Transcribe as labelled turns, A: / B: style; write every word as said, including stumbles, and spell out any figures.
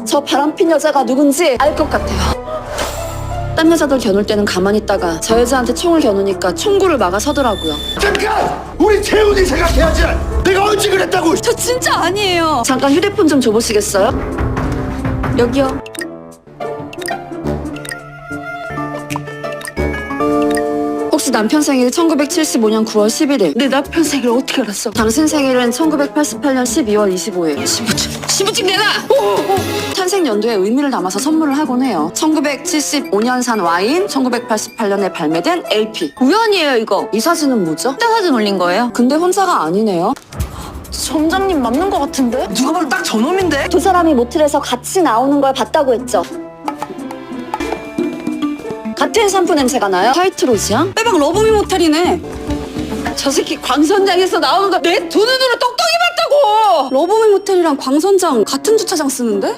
A: 저 바람핀 여자가 누군지 알 것 같아요. 딴 여자들 겨눌 때는 가만히 있다가 저 여자한테 총을 겨누니까 총구를 막아 서더라고요.
B: 잠깐! 우리 재훈이 생각해야지! 내가 언제 그랬다고!
A: 저 진짜 아니에요. 잠깐 휴대폰 좀 줘보시겠어요? 여기요. 혹시 남편 생일 천구백칠십오 년 구월 십일일.
C: 내 남편 생일 어떻게 알았어?
A: 당신 생일은 천구백팔십팔 년 십이월 이십오일.
C: 신분증 신분증 내놔!
A: 탄생 연도에 의미를 담아서 선물을 하곤 해요. 천구백칠십오 년산 와인, 천구백팔십팔 년에 발매된 엘피.
C: 우연이에요 이거.
A: 이 사진은 뭐죠?
C: 때 사진 올린 거예요?
A: 근데 혼자가 아니네요.
C: 점장님 맞는 거 같은데?
D: 누가 봐도 딱 저놈인데?
A: 두 사람이 모텔에서 같이 나오는 걸 봤다고 했죠. 같은 샴푸 냄새가 나요? 화이트로즈야? 빼박 러브미 모텔이네.
C: 저 새끼 광선장에서 나오는 거 내 두 눈으로 똑똑히 봤다고!
A: 러브미 모텔이랑 광선장 같은 주차장 쓰는데?